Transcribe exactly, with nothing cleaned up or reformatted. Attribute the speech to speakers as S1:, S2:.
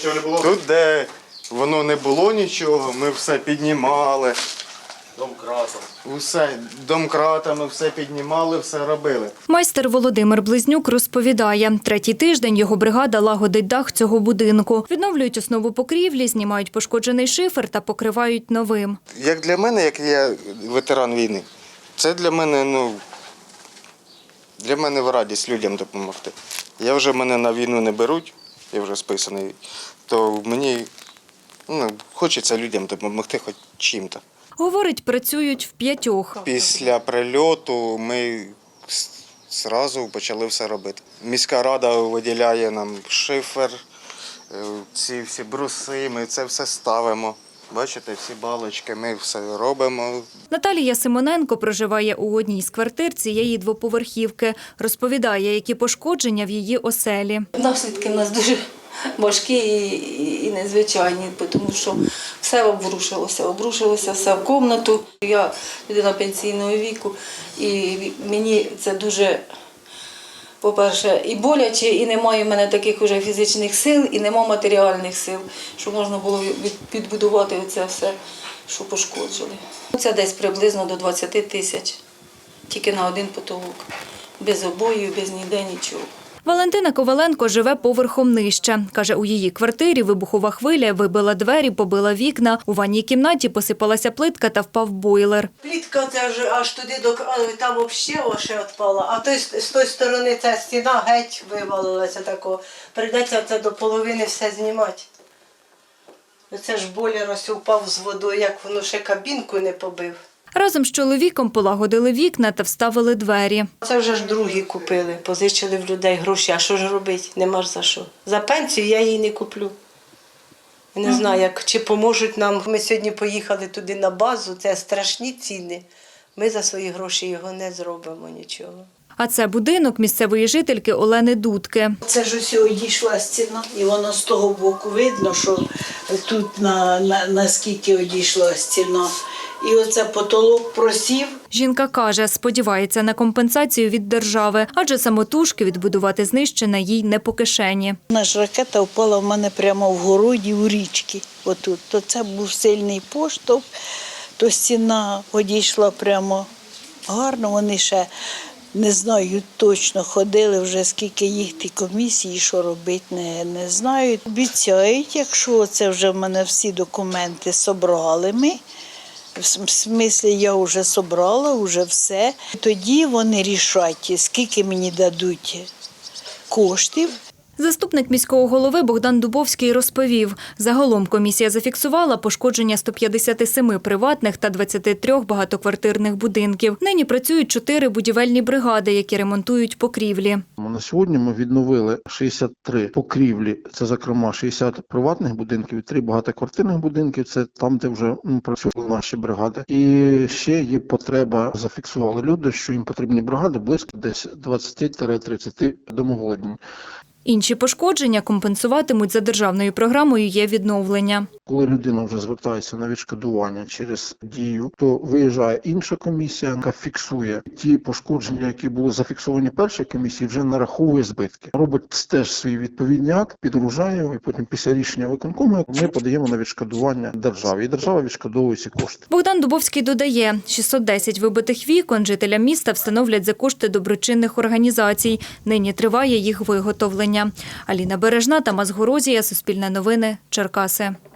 S1: нічого не було?
S2: Тут, де воно не було нічого, ми все піднімали.
S1: Домкратом.
S2: Усе домкратами все піднімали, все робили.
S3: Майстер Володимир Близнюк розповідає, третій тиждень його бригада лагодить дах цього будинку. Відновлюють основу покрівлі, знімають пошкоджений шифер та покривають новим.
S2: Як для мене, як я ветеран війни, це для мене, ну, для мене в радість людям допомогти. Я вже, мене на війну не беруть, я вже списаний, то мені, ну, хочеться людям допомогти хоч чим-то.
S3: Говорить, працюють в п'ятьох.
S2: Після прильоту ми одразу почали все робити. Міська рада виділяє нам шифер, ці всі бруси, ми це все ставимо. Бачите, всі балочки, ми все робимо.
S3: Наталія Симоненко проживає у одній з квартир цієї двоповерхівки. Розповідає, які пошкодження в її оселі.
S4: Наслідки в нас дуже важкі і, і незвичайні, тому що все обрушилося, обрушилося все в кімнату. Я людина пенсійного віку, і мені це дуже, по-перше, і боляче, і немає в мене таких уже фізичних сил, і немає матеріальних сил, щоб можна було підбудувати це все, що пошкоджили. Це десь приблизно до двадцяти тисяч, тільки на один потолок, без обоїв, без ніде нічого.
S3: Валентина Коваленко живе поверхом нижче. Каже, у її квартирі вибухова хвиля вибила двері, побила вікна. У ванній кімнаті посипалася плитка та впав бойлер.
S5: Плітка це аж, аж туди, до, там взагалі ще відпала, а той, з тої сторони ця стіна геть вивалилася тако. Прийдеться це до половини все знімати. Оце ж бойлер ось упав з водою, як воно ще кабінку не побив.
S3: Разом з чоловіком полагодили вікна та вставили двері.
S5: Це вже ж другі купили, позичили в людей гроші. А що ж робити? Нема ж за що. За пенсію я її не куплю. Я не знаю, як, чи поможуть нам. Ми сьогодні поїхали туди на базу, це страшні ціни. Ми за свої гроші його не зробимо нічого.
S3: А це будинок місцевої жительки Олени Дудки.
S6: Це ж ось одійшла стіна, і воно з того боку видно, що тут на, на, наскільки одійшла стіна. І оце потолок просів.
S3: Жінка каже, сподівається на компенсацію від держави, адже самотужки відбудувати знищене їй не по кишені.
S6: Наша ракета впала в мене прямо в городі у річці. Отут. То це був сильний поштовх, то стіна одійшла прямо гарно. Вони ще, не знаю, точно ходили вже, скільки їх ті комісії, що робити, не, не знають. Обіцяють, якщо це вже в мене всі документи зібрали ми, в смислі, я вже зібрала, вже все. Тоді вони рішать, скільки мені дадуть коштів.
S3: Заступник міського голови Богдан Дубовський розповів, загалом комісія зафіксувала пошкодження сто п'ятдесят сім приватних та двадцяти трьох багатоквартирних будинків. Нині працюють чотири будівельні бригади, які ремонтують покрівлі.
S7: На сьогодні ми відновили шістдесят три покрівлі, це, зокрема, шістдесят приватних будинків і три багатоквартирних будинків, це там, де вже працювали наші бригади. І ще є потреба, зафіксували люди, що їм потрібні бригади близько десь двадцять-тридцять домоволодінь.
S3: Інші пошкодження компенсуватимуть за державною програмою «Є відновлення».
S7: Коли людина вже звертається на відшкодування через дію, то виїжджає інша комісія, яка фіксує ті пошкодження, які були зафіксовані першій комісії, вже нараховує збитки. Робить теж свій відповідний акт, підгружає його, і потім після рішення виконкому ми подаємо на відшкодування державі. І держава відшкодовує ці кошти.
S3: Богдан Дубовський додає, шістсот десять вибитих вікон жителям міста встановлять за кошти доброчинних організацій. Нині триває їх виготовлення. Аліна Бережна, Тамас Горозія, Суспільне новини, Черкаси.